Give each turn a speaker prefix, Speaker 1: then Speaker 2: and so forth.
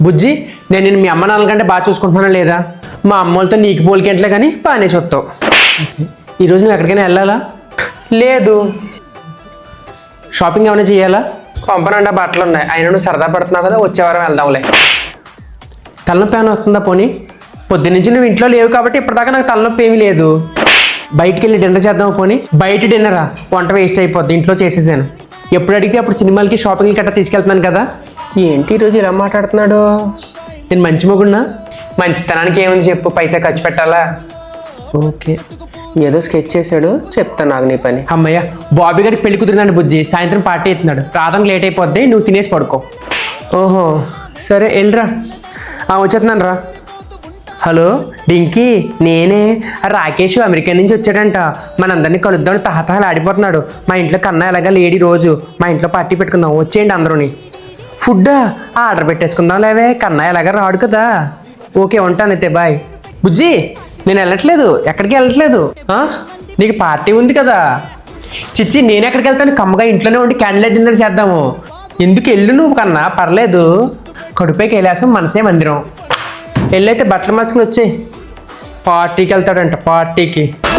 Speaker 1: బుజ్జి, నేను నిన్ను మీ అమ్మ నాన్నల కంటే బాగా చూసుకుంటున్నానా లేదా? మా అమ్మోళ్ళతో నీకు పోలికెంట్లే కానీ బాగానే చూస్తావు. ఈరోజు నువ్వు ఎక్కడికైనా వెళ్ళాలా? లేదు. షాపింగ్ ఏమైనా చేయాలా? పంపనండా బట్టలు ఉన్నాయి, అయినా నువ్వు సరదా పడుతున్నావు కదా, వచ్చే వారం వెళ్దాంలే. తలనొప్పి ఏమైనా వస్తుందా? పోనీ పొద్దున్నుంచి నువ్వు ఇంట్లో లేవు కాబట్టి ఇప్పటిదాకా నాకు తలనొప్పి ఏమీ లేదు. బయటికి వెళ్ళి డిన్నర్ చేద్దాం. పోనీ బయట డిన్నరా? వంట వేస్ట్ అయిపోద్ది, ఇంట్లో చేసేసాను. ఎప్పుడు అడిగితే అప్పుడు సినిమాలకి షాపింగ్కి గట్రా తీసుకెళ్తున్నాను కదా. ఏంటి ఈరోజు ఇలా మాట్లాడుతున్నాడు? నేను మంచి మొగుడినా? మంచితనానికి ఏముంది చెప్పు, పైసా ఖర్చు పెట్టాలా? ఓకే, ఏదో స్కెచ్ చేశాడు, చెప్తాను నాకు నీ పని. అమ్మయ్య, బాబీ గారికి పెళ్లి కుదిరిందండి బుజ్జి, సాయంత్రం పార్టీ అవుతున్నాడు, రావడానికి లేట్ అయిపోద్ది, నువ్వు తినేసి పడుకో. ఓహో సరే, వెళ్ళరా. వచ్చేస్తున్నాను రా. హలో డింకీ, నేనే. రాకేష్ అమెరికా నుంచి వచ్చాడంట, మనందరినీ కలుద్దామని తహతహలు ఆడిపోతున్నాడు. మా ఇంట్లో కన్నా ఎలాగా లేడీ, రోజు మా ఇంట్లో పార్టీ పెట్టుకుందాం, వచ్చేయండి అందరూని. ఫుడ్డా? ఆర్డర్ పెట్టేసుకుందాం లేవే, కన్నా ఎలాగా రాడు కదా. ఓకే ఉంటాను అయితే, బాయ్. బుజ్జి, నేను వెళ్ళట్లేదు, ఎక్కడికి వెళ్ళట్లేదు. నీకు పార్టీ ఉంది కదా. చిచ్చి, నేను ఎక్కడికి వెళ్తాను, కమ్మగా ఇంట్లోనే ఉండి క్యాండిల్ డిన్నర్ చేద్దాము. ఎందుకు వెళ్ళు నువ్వు, కన్నా పర్లేదు. కడుపే కైలాసం, మనసే మందిరం. వెళ్ళైతే బట్టలు మార్చుకుని వచ్చేయి. పార్టీకి వెళ్తాడంట, పార్టీకి.